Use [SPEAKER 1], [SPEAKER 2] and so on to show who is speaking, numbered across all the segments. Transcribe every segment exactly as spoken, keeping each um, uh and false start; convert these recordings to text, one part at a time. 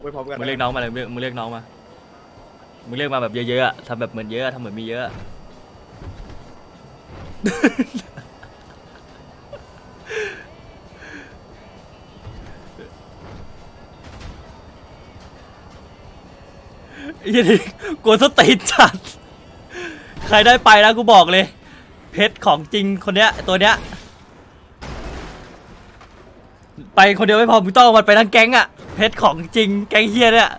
[SPEAKER 1] ไปพร้อมกัน
[SPEAKER 2] มึงเรียกน้องมาเลยมึงเรียกน้องมามึงเรียกมาแบบเยอะๆอะทำแบบเหมือนเยอะทำเหมือนมีเยอะไอ้ยี่นี่กลัวสตีนจัดใครได้ไปนะกูบอกเลยเพชรของจริงคนเนี้ยตัวเนี้ยไปคนเดียวไม่พอมึงต้องเอามันไปทั้งแก๊งอะเพชรของจริงแก๊งเฮียเนี่ย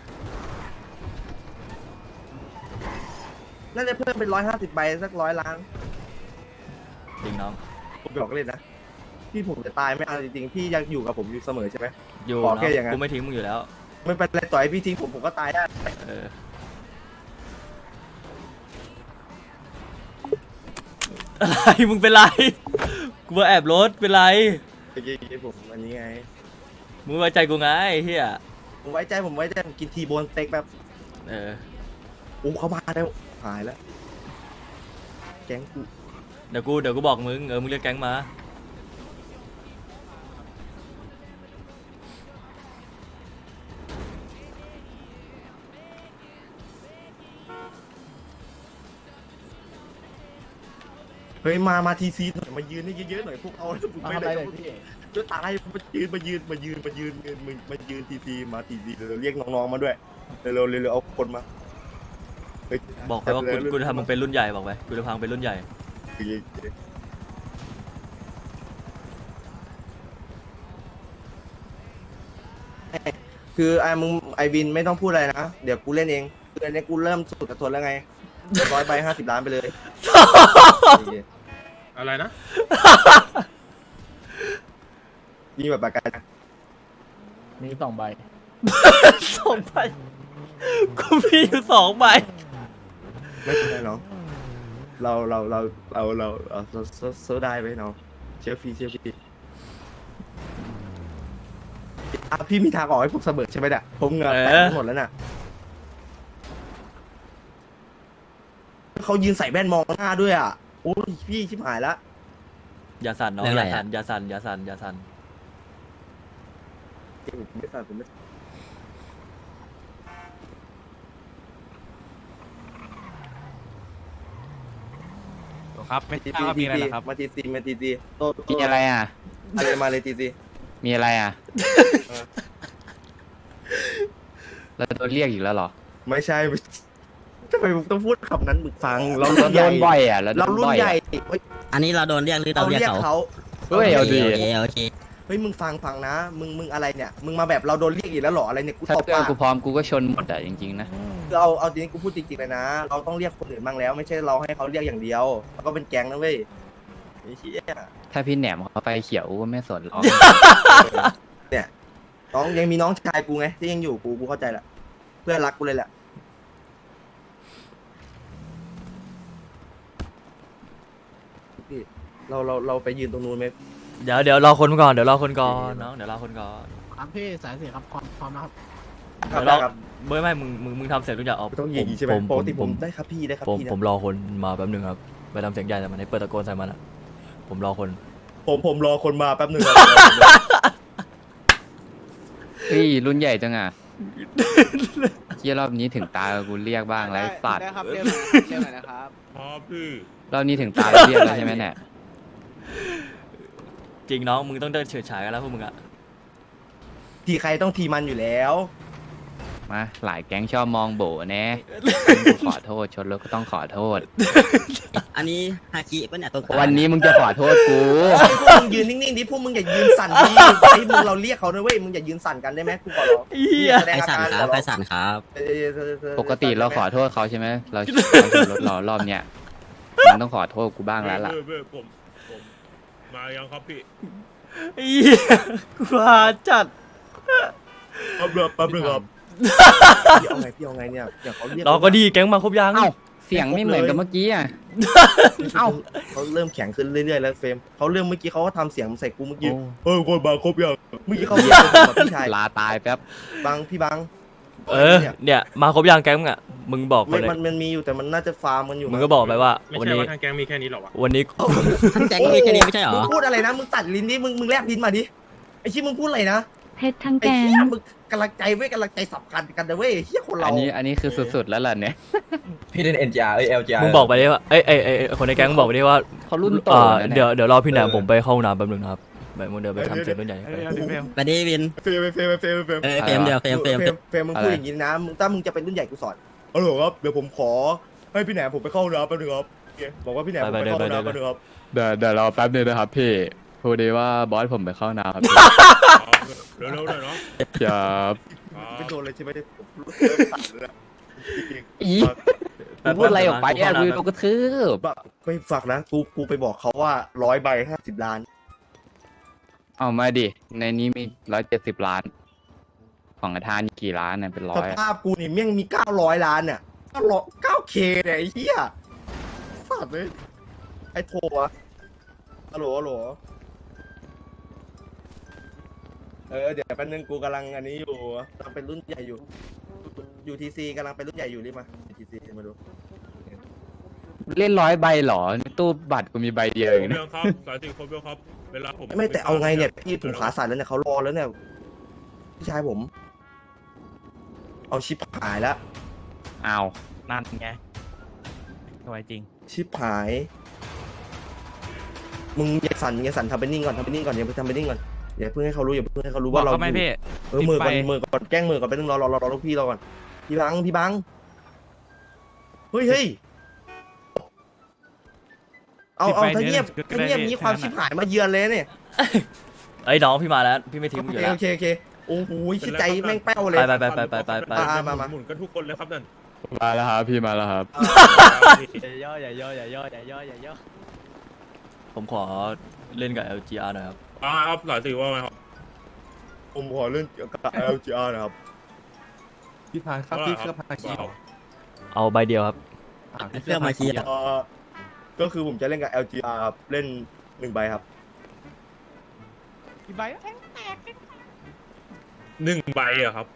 [SPEAKER 1] น่าจะเพิ่มเป็นร้อยห้าสิบใบสักร้อยล้าน
[SPEAKER 2] จริงน้อง
[SPEAKER 1] ผมบอกเลยนะพี่ผมจะตายไม่เอาจริงๆพี่ยังอยู่กับผมอยู่เสมอใช่ไหม
[SPEAKER 2] อยู่
[SPEAKER 1] ขอ
[SPEAKER 2] เนาะ
[SPEAKER 1] แค่อย่างนั้น
[SPEAKER 2] กูไม่ทิ้งมึงอยู่แล้ว
[SPEAKER 1] ไม่เป็นไรต่อยพี่ทิ้งผมผมก็ตายได้
[SPEAKER 2] เอออะไรมึงเป็นไรกูมาแอบรถเป็นไร
[SPEAKER 1] เมื่อกี้ผมอันนี้ไง
[SPEAKER 2] มึงไว้ใจกูไงไอ้เฮีย
[SPEAKER 1] ผมไว้ใจผมไว้ใจผมกินทีโบนสเต็กแบบ
[SPEAKER 2] เออ
[SPEAKER 1] อู้เขามาแล้วหายแล้วแก๊งกู
[SPEAKER 2] เดี๋ยวกูเดี๋ยวกูบอกมึงเออมึงเรียกแก๊งมา
[SPEAKER 1] เฮ้ยมามาทีซีหน่อยมายืนให้เยอะๆหน่อยพวกเอาผมไม่ได้จะตายมายืนมายืนมายืนมายืนมามายืนทีซีมาทีซีเร็วเรียกน้องๆมาด้วยเร็วเร็วเร็วเอาคนมา
[SPEAKER 2] บอกไปว่ากูกูจะทำมึงเป็นรุ่นใหญ่บอกไปกูจะพังเป็นรุ่นใหญ่
[SPEAKER 1] คือไอ้มึงไอวินไม่ต้องพูดอะไรนะเดี๋ยวกูเล่นเองคืออันนี้กูเริ่มสุดกระทนแล้วไงร้อยใบห้าสิบล้านไปเลย
[SPEAKER 3] อะไรนะ
[SPEAKER 1] มีแบบประกัน
[SPEAKER 4] มีสองใบ
[SPEAKER 2] สองใบกูมีอยู่สองใบ
[SPEAKER 1] ไม่เป็นไรน้องเราเราเราเราเราเราโซได้ไหมน้องเชื่อพี่เชื่อพี่อ่ะพี่มีทางออกให้พวกเสมอใช่ไหมเนี่ยผมเหงื่อแตกหมดแล้วน่ะเขายืนใส่แว่นมองหน้าด้วยอ่ะโอ้ยพี่ชิบหายละ
[SPEAKER 2] อย่าสั่นน้องอย่าสั่นอย่าสั่นอย่าสั่นอย่าสั่น
[SPEAKER 1] ผมไม่ทราบผมไม่
[SPEAKER 3] ครับไม่
[SPEAKER 1] ที
[SPEAKER 3] ทราบว่ามี
[SPEAKER 1] ซี
[SPEAKER 3] อะไรเหรอครับ
[SPEAKER 1] มาทีซีมาทีซีโต
[SPEAKER 5] มีอะไรอ่ะ
[SPEAKER 1] อะไรมาเลยทีซี
[SPEAKER 5] มีอะไรอ่ะ เราโดนเรียกอีกแล้วเหรอ
[SPEAKER 1] ไม่ใช่ทำไมผมต้องพูดคำนั้นมึงฟังเรา
[SPEAKER 5] เรา
[SPEAKER 1] รุ่น
[SPEAKER 5] โด
[SPEAKER 1] ใหญ่
[SPEAKER 5] นบ่อยอ่ะ เราโด
[SPEAKER 1] เรา
[SPEAKER 5] น
[SPEAKER 1] รุ่น
[SPEAKER 5] บ่อย
[SPEAKER 1] ใหญ่
[SPEAKER 5] อ่ะ
[SPEAKER 1] เฮ้ย
[SPEAKER 6] อันนี้เราโดนเรียกหรือ
[SPEAKER 1] เรา
[SPEAKER 6] เราเรียก
[SPEAKER 1] เรียก
[SPEAKER 6] เขา
[SPEAKER 1] เขา
[SPEAKER 5] เฮ้ยเอาดี
[SPEAKER 6] โอเคโอเค
[SPEAKER 1] เฮ้ยมึงฟังฟังนะมึงมึงอะไรเนี่ยมึงมาแบบเราโดนเรียกอีกแล้วเหรออะไรเนี่ยกู
[SPEAKER 5] ถ้า
[SPEAKER 1] ตบ
[SPEAKER 5] เพื่อน
[SPEAKER 1] ปาก
[SPEAKER 5] กูพร้อมกูก็ชนหมดอ่ะจริงๆนะ
[SPEAKER 1] คือเอาเอาจริงๆกูพูดจริงๆเลยนะ เราต้องเรียกคนอื่นบ้างแล้ว ไม่ใช่เราให้เขาเรียกอย่างเดียวแล้วก็เป็นแก๊งนะเว้ยไอ้เหี้ย
[SPEAKER 5] ถ้าพี่แหนมเขาไปเขียวกูก็ไม่สนหรอก
[SPEAKER 1] เนี่ยน้องยังมีน้องชายกูไงที่ยังอยู่กูกูเข้าใจแหละเพื่อนรักกูเลยแหละพี่เราเราเราไปยืนตรงนู้นไหม
[SPEAKER 2] เดี๋ยวเดี๋ยวรอคนก่อนเดี๋ยวรอคนก่อนน้องเดี๋ยวรอคนก่อน
[SPEAKER 4] ครับพี่สายเสียครับความความนะครับ
[SPEAKER 1] ครั
[SPEAKER 2] เดี๋
[SPEAKER 1] บ
[SPEAKER 2] ยวรอ
[SPEAKER 1] ได้ครับ
[SPEAKER 2] ไม่ไม่มึงมึงมึงทำเสียงรุ่นใหญ่ออก
[SPEAKER 1] ไม่ต้องอย่างนี้ใช่ไหม
[SPEAKER 2] ผม
[SPEAKER 1] ปกติ
[SPEAKER 2] ผ
[SPEAKER 1] ผม มได้ครับพี่ได้ครับ
[SPEAKER 2] ผม
[SPEAKER 1] พี่นะ
[SPEAKER 2] ผมรอคนมาแป๊บหนึงครับไปทำเสียงใหญ่แต่มันให้เปิดตะโกนใส่มันอ่ะผมรอคน
[SPEAKER 1] ผมผมรอคนมาแป๊บหนึ่งครับ
[SPEAKER 5] เฮ้ยรุ่นใหญ่จังอ่ะเที่ยรอบนี้ถึงตากูเรียกบ้างแล้วไอ้สัตว์
[SPEAKER 7] ได้ครับเรียกหน่อยนะครับเรียกหน่อยนะครับ
[SPEAKER 5] รอบนี้ถึงตาเราเรียกแล้วใช่ไหมเนี่ย
[SPEAKER 2] จริงน้องมึงต้องเดินเฉิดฉายกันแล้วพวกมึงอ่ะ
[SPEAKER 1] ทีใครต้องทีมันอยู่แล้ว
[SPEAKER 5] มาหลายแก๊งชอบมองโบแน่กูขอโทษชนรถก็ต้องขอโทษ
[SPEAKER 6] อันนี้ฮาคิปะเนี่ยตัวกลาง
[SPEAKER 5] วันนี้มึงจะขอโทษกู
[SPEAKER 1] พวกมึงยืนนิ่งๆดิพวกมึงอย่ายืนสั่นดิไอ้มึงเราเรียกเขาด้วยเว้ยมึงอย่ายืนสั่นกันได้ไหมกูขอร้อง
[SPEAKER 2] เหี้ย
[SPEAKER 1] แสด
[SPEAKER 6] ใครง
[SPEAKER 1] อา
[SPEAKER 6] สั่น
[SPEAKER 1] การ
[SPEAKER 6] ครับใครสั่นครับ
[SPEAKER 1] เออเออเออ
[SPEAKER 5] ปกติเราขอโทษเขาใช่ไหมเราเราชนรถเรารอบเนี้ยมันต้องขอโทษกูบ้างแล้วล่ะ
[SPEAKER 3] เออเออผมผมมายังครับพี่
[SPEAKER 2] เหี้ยกูหาจัด
[SPEAKER 1] แป๊บเดียวแป๊บเดียวครับพี่เอาไงพี่เอาไงเนี่ยเดี๋ยวเขาเรียก
[SPEAKER 2] รอก็ดีแก๊งมาครบยัง
[SPEAKER 5] เอ้าเสียงไม่เหมือนกับเมื่อกี้อ่ะ
[SPEAKER 1] เอ้าเขาเริ่มแข็งขึ้นเรื่อยๆแล้วเฟรมเขาเริ่มเมื่อกี้เขาก็ทำเสียงใส่กูเมื่อกี้เออคนมาครบยังเมื่อกี้เขาเรียกผมกับพี่ชาย
[SPEAKER 5] ลาตายแป๊บ
[SPEAKER 1] บังพี่บัง
[SPEAKER 2] เออเนี่ยมาครบยังแก๊งมึงอ่ะมึงบอกไป
[SPEAKER 1] ไม่
[SPEAKER 2] เลย
[SPEAKER 1] มันมันมีอยู่แต่มันน่าจะฟาร์มกันอยู่
[SPEAKER 2] มึงก็บอกไปว่า
[SPEAKER 3] ไม่
[SPEAKER 2] วัน
[SPEAKER 3] ใช่
[SPEAKER 2] นี้
[SPEAKER 3] ว่าทางแก๊งมีแค่นี้หรอวะ
[SPEAKER 2] วันนี้
[SPEAKER 6] ทั้งแจ็คก็มีแค่นี้ไม่ใช่เหรอ
[SPEAKER 1] มึงพูดอะไรนะมึงตัดลิ้นดิมึงมึงแลบลิ้นมาดิไอ้ชิมึงพูดอะไรนะ
[SPEAKER 8] เพชรทั้ง
[SPEAKER 1] ไอ้
[SPEAKER 8] แกง
[SPEAKER 1] เหี้ยมึงกำลังใจเว้ยกำลังใจสำคัญกันนะเว้ยเฮียคนเรา
[SPEAKER 5] อันนี้อันนี้คือสุดๆแล้วล่ะเนี่ย
[SPEAKER 7] พี่เล่น เอ็น จี อาร์ เอ้ย แอล จี อาร์
[SPEAKER 2] มึงบอกไปดิว่าเอ้ยเอ้ยเอ้ยคนในแก๊งมึงบอกไปดิว่า
[SPEAKER 5] เขารุ่นโต
[SPEAKER 2] อ่า
[SPEAKER 5] แล้ว
[SPEAKER 2] เดี๋ยว
[SPEAKER 5] เนี่ย
[SPEAKER 2] เดี๋ยวรอพี่แหนมผมไปเข้าห้องน้ำแป๊บนึงนะครับแบบมึงเดินไปทำเสร็จรุ่นใหญ่ไป
[SPEAKER 6] ไปดิวิน
[SPEAKER 1] เฟรมเฟรมเฟรมเฟรม
[SPEAKER 6] เออเฟรมเดียวเฟรมเฟรม
[SPEAKER 1] เฟรมเฟรมมึงพูดอย่างนี้นะมึงถ้ามึงจะเป็นรุ่นใหญ่กูสอนเอาหรอครับเดี๋ยวผมขอให้พี่แหนมผมไปเข้าห้องน้ำแป๊บนึงครับโอเคบอกว่าพี่แหนมผมไปเข้าห้องน้ำแป๊บนึงครับ
[SPEAKER 5] เดี๋ยวเดี๋ยวรอแป๊บนึงนะครับพี่พูดดีว่าบอสผมไปเข้าน้ำครับพี่
[SPEAKER 3] เร็วๆหน่อยเนาะ
[SPEAKER 5] อย่า
[SPEAKER 1] ไม่โดนเลยใช่ไหมเนี่ยรู้สึกเริ่มสั่นเลยอะจริงๆ
[SPEAKER 5] อีพูดอะไรออกไปอ่ะคือโดนกระทืบ
[SPEAKER 1] แบบไม่ฝากนะกูกูไปบอกเขาว่าร้อยใบห้าสิบล้าน
[SPEAKER 5] เอามาดิในนี้มีร้อยเจ็ดสิบล้าน ของกระทานกี่ล้านเนี่ยเป็นร้
[SPEAKER 1] ส
[SPEAKER 5] อย
[SPEAKER 1] ภาพกูนี่แม่งมีเก้าร้อยล้านเนี่ยเก้าร้อยเก้าเคเนี่ยไอ้เหี้ยสัตว์เลยไอ้โทรอะฮัลโหลฮัลโหลเออเดี๋ยวแป๊บนึงกูกำลังอันนี้อยู่กำลังเป็นรุ่นใหญ่อยู่ยูทีซีกำลังเป็นรุ่นใหญ่อยู่รีบมายูทีซีมาดู
[SPEAKER 5] เล่นร้อยใบเหรอในตู้บัตรกูมีใบเดียว
[SPEAKER 3] คร
[SPEAKER 5] เอบ ง
[SPEAKER 3] เดี
[SPEAKER 5] นะ
[SPEAKER 3] ยวครับสายสี่ครบเดียวครับ เวลาผม
[SPEAKER 1] ไม่แต่เอาไงเนี่ยพี่ผมขาสั่นแล้วเนี่ยเขารอแล้วเนี่ยพี่ชายผม เอาชิปหายแล้ว
[SPEAKER 5] อ้าว
[SPEAKER 8] นั่นไงสวยจริง
[SPEAKER 1] ชิปหาย มึงอย่าสั่นอย่าสั่นทำเป็นนิ่งก่อนทำเป็นนิ่งก่อนอย่าเพิ่งทำเป็นนิ่งก่อนอย่าเพิ่งให้เขารู้อย่าเพิ่งให้เขารู้
[SPEAKER 8] บอ
[SPEAKER 1] ว่าก เรา
[SPEAKER 8] เขาไหม
[SPEAKER 1] อยู่
[SPEAKER 8] พี่
[SPEAKER 1] เออมือก่อน
[SPEAKER 8] ปิดไฟ
[SPEAKER 1] มือก่อนแกล้งมือก่อนไปนึงรอรอรอรอลูกพี่รอก่อนพี่บังพี่บังเฮ้ยเฮ้ยเอาเอาถ้าเงียบถ้าเงียบนี้ความชิบหายมาเยือนเลยเนี่ย
[SPEAKER 2] ไอ้ยน้องพี่มาแล้วพี่ไม่ทิ้ง
[SPEAKER 1] โอ
[SPEAKER 2] มึงอ
[SPEAKER 1] เค
[SPEAKER 2] ยู่แล้ว
[SPEAKER 1] โอเคโอเคโอ้โหชิดใจแม่งแป้วเลย
[SPEAKER 2] ไปไปไปไปไปไป
[SPEAKER 1] อ่ามามา
[SPEAKER 3] หมุนกันทุกคนเลยครับนั่น
[SPEAKER 5] มาแล้วครับพี่มาแล้วครับ
[SPEAKER 8] อย่าย่ออย่าย่ออย่าย่ออย่าย่ออย่าย่อ
[SPEAKER 2] ผมขอเล่นกับ แอล จี อาร์ หน่อยครับ
[SPEAKER 3] อ่าครับสายสี่ว่าไงครับ
[SPEAKER 1] ผมขอเรื่องเกี่ยวกับ แอล จี อาร์ นะครับ
[SPEAKER 7] พี่พายครับพี่เครือพายคี
[SPEAKER 2] เอาใบเดียวครับ
[SPEAKER 6] เครื่องมาคีอ่ะ
[SPEAKER 1] เอ่อก็คือผมจะเล่นกับ แอล จี อาร์ ครับเล่นหนึ่งใบครับ
[SPEAKER 8] กี่ใบ
[SPEAKER 3] หนึ่งใบอะครับ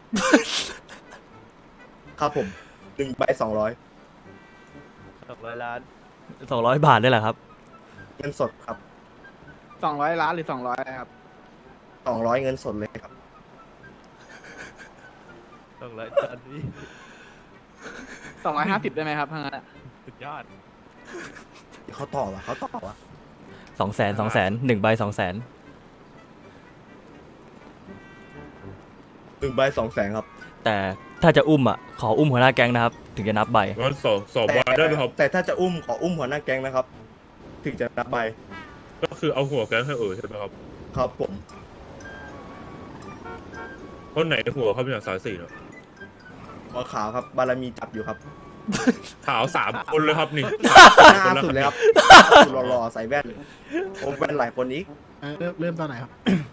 [SPEAKER 1] ครับผมหนึ่งใบสองร้อย
[SPEAKER 8] สองร้อยล้าน
[SPEAKER 2] สองร้อยบาทได้แหละครับ
[SPEAKER 1] เงินสดครับ
[SPEAKER 4] สองร้อยล้านหรือสองร้อยครับ
[SPEAKER 1] สองร้อยเงินสดเลยครับ
[SPEAKER 8] สองร้อยตอนนี้
[SPEAKER 4] สองร้อยห้าสิบได้ไหมครับทางนั้นอะ
[SPEAKER 8] สุดยอด
[SPEAKER 1] เขาต่อวะเขาต่อวะ
[SPEAKER 2] สองแสนสองแสนหนึ่งใบสองแสน
[SPEAKER 1] หนึ่งใบสองแสนครับ
[SPEAKER 2] แต่ถ้าจะอุ้มอ่ะขออุ้มหัวหน้าแก๊งนะครับ ถึงจะนับใบ
[SPEAKER 3] งั้นสองสอง
[SPEAKER 1] แต่
[SPEAKER 3] ใบได้ไหมครับ
[SPEAKER 1] แต่ถ้าจะอุ้มขออุ้มหัวหน้าแก๊งนะครับ ถึงจะนับใบ
[SPEAKER 3] ก็คือเอาหัวแก๊งให้เออใช่ไหมครับ
[SPEAKER 1] ครับผม
[SPEAKER 3] คนไหนหัวเขาเป็นอย่างสายสี่เนาะ
[SPEAKER 1] หัวขาวครับบารมีจับอยู่ครับ
[SPEAKER 3] ขาวสามคนเลยครับนี่
[SPEAKER 1] หน้าสุดเลยครับสุดหล่อๆใส่แว่นผมแว่นหลายคนอีก
[SPEAKER 4] เออเริ่มเริ่มตอนไหนครับ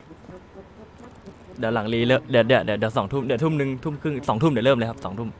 [SPEAKER 2] เดี๋ยวหลังรีเริ่มเดี๋ยวเดี๋ยวเดี๋ยวเดี๋ยวสองทุ่มเดี๋ยวทุ่มหนึ่งทุ่มครึ่งสองทุ่มเดี๋ยวเริ่มเลยครับสองทุ่ม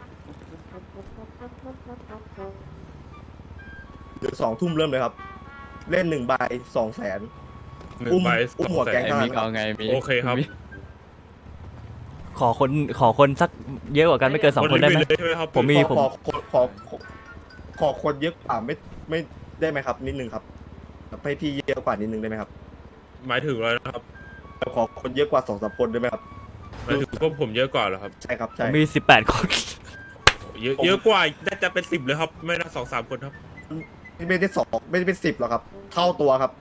[SPEAKER 1] เดี๋ยวสองทุ่มเริ่มเลยครับ เล่นหนึ่งใบสองแสน
[SPEAKER 3] หนึ่
[SPEAKER 1] อุ้
[SPEAKER 3] ง
[SPEAKER 1] ม
[SPEAKER 3] ใบ
[SPEAKER 1] อุ้
[SPEAKER 3] ส
[SPEAKER 1] ม
[SPEAKER 3] อง
[SPEAKER 1] หัว
[SPEAKER 3] แส
[SPEAKER 1] แก๊ง
[SPEAKER 3] น
[SPEAKER 5] ไอ้มิกเอาไงมิก
[SPEAKER 3] โอเคครับ
[SPEAKER 2] ขอคนขอคนสักเยอะกว่ากันไม่เกินสองคนได้ไหม
[SPEAKER 3] เลยใช่ไหมครับ
[SPEAKER 2] ผมมี
[SPEAKER 1] ขอขอขอขอขอขอคนเยอะกว่าไม่ไม่ได้ไหมครับ นิดนึงครับให้พี่เยอะกว่านิดนึงได้ไหมครับ
[SPEAKER 3] หมายถึงอะไรนะครับ
[SPEAKER 1] ขอคนเยอะกว่าสองสามคนได้ไหมครับ
[SPEAKER 3] หมายถึงพวกผมเยอะกว่าเหรอครับ
[SPEAKER 1] ใช่ครับ
[SPEAKER 2] ผ
[SPEAKER 1] ใช่
[SPEAKER 2] มมีสิบแปดคน
[SPEAKER 3] เยอะเยอะกว่าน่าจะเป็นสิบเลยครับ ไม่น่าสองสามคนครับ
[SPEAKER 1] ไม่ได้สองไม่ได้เป็นสิบหรอกครับ เท่าตัวครับ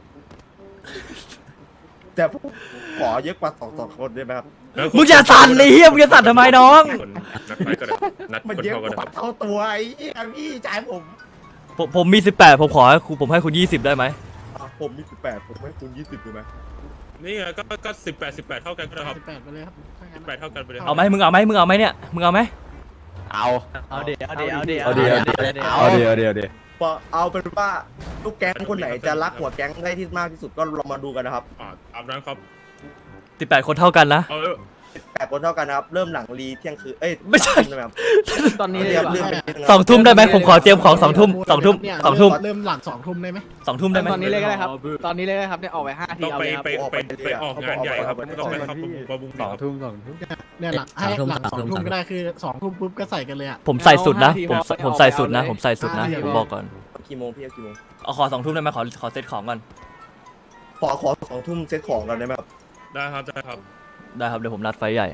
[SPEAKER 1] แต่ผมขอเยอะกว่าสองสองคนได้ไหมครับ
[SPEAKER 2] มึงอย่าสั่นเลยเฮียมึงจะสั่นทำไมน้อง
[SPEAKER 3] คนนัดไปก็ได้นัด
[SPEAKER 1] มัน
[SPEAKER 3] คน
[SPEAKER 1] เยอะ
[SPEAKER 3] เท่ากัน
[SPEAKER 1] กว่า
[SPEAKER 3] นะครับ
[SPEAKER 1] เท่าตัวไอ้เหี้ยพี่จ่ายผม
[SPEAKER 2] ผมผมมีสิบแปดผมขอให้คุณผมให้คุณยี่สิบได้ไหม
[SPEAKER 1] อ่ะผมมีสิบแปดผมให้คุณยี่สิบดูไหม
[SPEAKER 3] นี่ไงก็ก็สิบแปดสิบแปดเท่ากันก็ได้ครับ
[SPEAKER 4] สิบแปดไปเลยครับถ้างั้
[SPEAKER 3] สิ
[SPEAKER 4] น
[SPEAKER 3] บแปดเท่ากันไปเลย
[SPEAKER 2] เอาไหมมึงเอาไหมมึงเอาไหมเนี่ยมึงเอาไหม
[SPEAKER 5] เอา
[SPEAKER 8] เอาเดี๋ยวเอาเดี๋ยวเอาเดี๋ยว
[SPEAKER 5] เอาเดี๋ยว
[SPEAKER 6] เอาเดี๋ยว
[SPEAKER 5] เอาเดี๋ยวเดี๋ยวเดี๋ยว
[SPEAKER 1] พอเอาเป็นว่าลูกแก๊งคนไหนจะรักหัวแก๊งได้ที่มากที่สุดก็ลองมาดูกันนะครับ
[SPEAKER 3] อ่าตามนั้นครับ
[SPEAKER 2] สิบแปดคนเท่ากันนะ
[SPEAKER 3] เอา
[SPEAKER 1] แปดคนเท่ากันนะครับ เริ่มหลังรีเที่ยงคืนเอ้ย
[SPEAKER 2] ไม่ใช่
[SPEAKER 1] ใช่ไหมครับ
[SPEAKER 4] ตอนนี้เลย
[SPEAKER 1] เรียบ
[SPEAKER 4] ดีกว่า
[SPEAKER 1] เรื่องไปนิดนึง
[SPEAKER 2] สองทุ่มได้ไหมผมขอเตรียมของสองทุ่มสองทุ่มสองทุ่ม
[SPEAKER 4] เริ่มหลังสองทุ่มได้ไหม
[SPEAKER 2] สองทุ่มได้ไหม
[SPEAKER 4] ตอนนี้เลยก็ได้ครับ ตอนนี้เลยก็ได้ครับเนี่ยออกไปห้าที
[SPEAKER 3] ต้อง
[SPEAKER 4] เอา
[SPEAKER 3] ไป
[SPEAKER 4] เลยครับ
[SPEAKER 3] ไปไปไปออกงานใหญ่ครับต้องไปเข้าประมุข
[SPEAKER 5] สอง
[SPEAKER 3] ครับ
[SPEAKER 5] ทุ่มสองทุ่ม
[SPEAKER 4] เนี่ยหลังให้หลังสองทุ่มก็ได้คือสองทุ่มปุ๊บก็ใส่กันเลยอ่ะ
[SPEAKER 2] ผมใส่สุดนะ
[SPEAKER 4] เอา
[SPEAKER 2] ผม
[SPEAKER 4] ห้าทีพอ
[SPEAKER 2] ผมใส่สุดนะ
[SPEAKER 4] เอาเลย
[SPEAKER 2] ผมใส่สุดนะ
[SPEAKER 4] ห้าที
[SPEAKER 2] ผมบอกก่อน
[SPEAKER 1] กี่โมงพี่เอากี่โมง
[SPEAKER 2] เอาขอสองทุ่มได้ไหมขอขอเซตของก่อน
[SPEAKER 1] ขอขอสองทุ่มเซ็ตของกันได้ไหมครับ
[SPEAKER 3] ได้ครับได้ครับ
[SPEAKER 2] ได้ครับเดี๋ยวผมนัดไฟใหญ่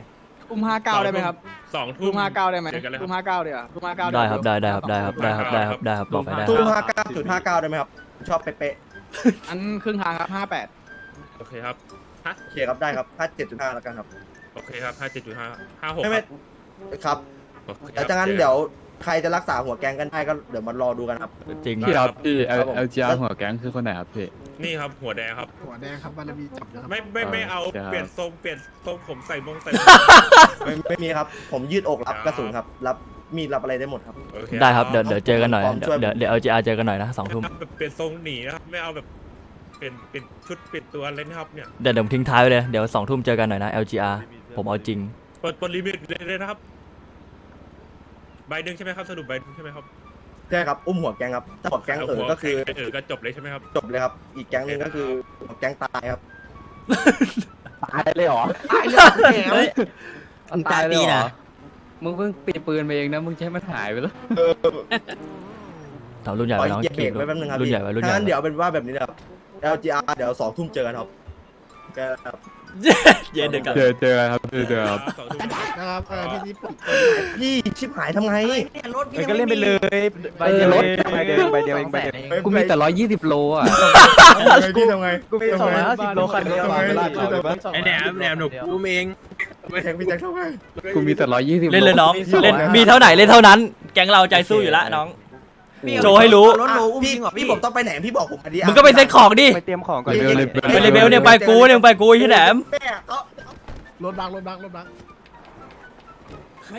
[SPEAKER 8] อุ้มห้าเก้าได้ไหมครับ
[SPEAKER 3] สองทุ่
[SPEAKER 8] อุ้
[SPEAKER 3] ม
[SPEAKER 8] มห้าเก้าได้ไหม
[SPEAKER 3] เจอกันเลยค
[SPEAKER 8] อุ้
[SPEAKER 3] รับ
[SPEAKER 8] มห้าเก้าเดี๋ยวอุ้มห้าเก้า
[SPEAKER 2] ได้ครับได้ได้ครับได้ครับได้ครับได้ครับได้ครับได้ครับบอกไปได้
[SPEAKER 1] ตู้ห้าเก้าจุดห้าเก้าได้ไหมครับชอบเป๊ะ
[SPEAKER 8] อันครึ่งทางครับห้าแปด
[SPEAKER 3] โอเคครับฮะ
[SPEAKER 1] ๆโอเคครับได้ครับห้าเจ็ดจุดห้าแล้วกันครับ
[SPEAKER 3] โอเคครับห้าเจ็ดจุดห้าห้าหก
[SPEAKER 1] ไม่
[SPEAKER 3] ค
[SPEAKER 1] ไม่
[SPEAKER 3] รับ
[SPEAKER 1] ครับ
[SPEAKER 3] โอเคค
[SPEAKER 1] แล้
[SPEAKER 3] รั
[SPEAKER 1] ว
[SPEAKER 3] บ
[SPEAKER 1] จากนั้นเดี๋ยวใครจะรักษาหัวแกงกันได้ก็เดี๋ยวมารอดูกันครับ
[SPEAKER 2] จริง
[SPEAKER 5] พี่ครับพี่
[SPEAKER 1] ครับผม
[SPEAKER 5] L G R หัวแก๊งคือคนไหนครับพี่
[SPEAKER 3] นี่ครับหัวแดงครับ
[SPEAKER 4] หัวแดงครับบารมีจับนะครับ
[SPEAKER 3] ไม่ไม่ไม่เอา
[SPEAKER 5] ครับ
[SPEAKER 3] เปลี่ยนทรงเปลี่ยนทรงผมใส่มงใส่
[SPEAKER 1] ไม่ไม่มีครับ ผมยืดอกรับกระสุนครับ รับมีดรับอะไรได้หมดครับ
[SPEAKER 3] โอเค
[SPEAKER 2] ได้ครับเดี๋ยวเดี๋ยวเจอกันหน่อย
[SPEAKER 1] พร้อม
[SPEAKER 2] เดี๋
[SPEAKER 1] ช่
[SPEAKER 2] ยว วย เดี๋ยวเดี๋ยว L G R เจอกันหน่อยนะสองทุ่ม
[SPEAKER 3] แบบเปลี่ยนทรงหนีนะครับไม่เอาแบบเปลี่ยนเปลี่ยนชุดเปลี่ยนตัวอะไรนะครับเนี่ย
[SPEAKER 2] เดี๋ยวเดี๋ยวผมทิ้งท้ายไว้เลยเดี๋ยวสองทุ่มเจอกันหน่อยนะ L G R ผมเอาจริง
[SPEAKER 3] เปิดเปิดลิมิตเลยนะครับใบหนึ่งใช่ไหมครับสรุปใบหนึ่งใช่ไหมครับ
[SPEAKER 1] ใช่ครับ อุ้มหัวแกงครับ ถ้าหัวแกงเออก็คือ
[SPEAKER 3] เออก็จบเลยใช่ไหมครับ
[SPEAKER 1] จบเลยครับ อีกแก๊งหนึงก็คือหัวแกงตายครับ
[SPEAKER 5] ตายเลยเหรอ
[SPEAKER 1] ตายเลยแหม
[SPEAKER 6] เฮ้ยมึงตายปีนะ
[SPEAKER 5] มึงเพิ่งปีปืนไปเองนะมึงใช้มันหายไปแล้ว
[SPEAKER 2] เรารุ่นใหญ่
[SPEAKER 1] ปล่
[SPEAKER 2] ไว้
[SPEAKER 1] อย
[SPEAKER 2] น้อง
[SPEAKER 1] เหยียบเบรกไว้แป๊บนึงครับ
[SPEAKER 2] รุ่น
[SPEAKER 1] พี่
[SPEAKER 2] ใหญ่ไว้รุ่นให
[SPEAKER 1] ถ้า
[SPEAKER 2] ญ่
[SPEAKER 1] งั้นเดี๋ยวเป็นว่าแบบนี้นะครับ แอล จี อาร์ เดี๋ยวสองทุ่มเจอกันครับเจอกันครับ
[SPEAKER 2] เย็นเด็กกัน
[SPEAKER 5] เจอเจอกันครับเจอเจอครับ
[SPEAKER 3] สองทุ่ม
[SPEAKER 4] นะครับเออที่นี่ปลุก
[SPEAKER 1] พี่ชิบหายทำไง
[SPEAKER 8] ก็เล่นไปเลยใบเดียวใบเดียวใบเดียวเองใบเดียว
[SPEAKER 5] กูมีแต่ร้อยยี่สิบโลอ่ะ
[SPEAKER 1] พี่ทำไง
[SPEAKER 8] กูมีสองร้อยห้าสิบโลคันเดียว
[SPEAKER 3] ไอ้แหนมแหนมหนูกูเอง
[SPEAKER 1] พี่แทงพี่แทงทำไง
[SPEAKER 5] กูมีแต่ร้อยยี่สิบ
[SPEAKER 2] เล่นเลยน้อง
[SPEAKER 1] มีสอง
[SPEAKER 2] เล่น
[SPEAKER 1] นะ
[SPEAKER 2] มีเท่าไหนเล่นเท่านั้น แก๊งเราใจสู้อยู่แล้วน้อง โชว์ให้รู้
[SPEAKER 1] รถโลอุ้มจริงเหรอพี่ผมต้องไปไหนพี่บอกผมมาดิ
[SPEAKER 2] มึงก็ไปเซ็ตของดิ
[SPEAKER 8] ไปเตรียมของก่อน
[SPEAKER 5] เร็วเลย
[SPEAKER 2] ไปเลเบลเนี่ยไปกูเนี่ยไปกูไอ้ที่แหนม
[SPEAKER 1] แม่เขา
[SPEAKER 4] รถบังรถบังรถบัง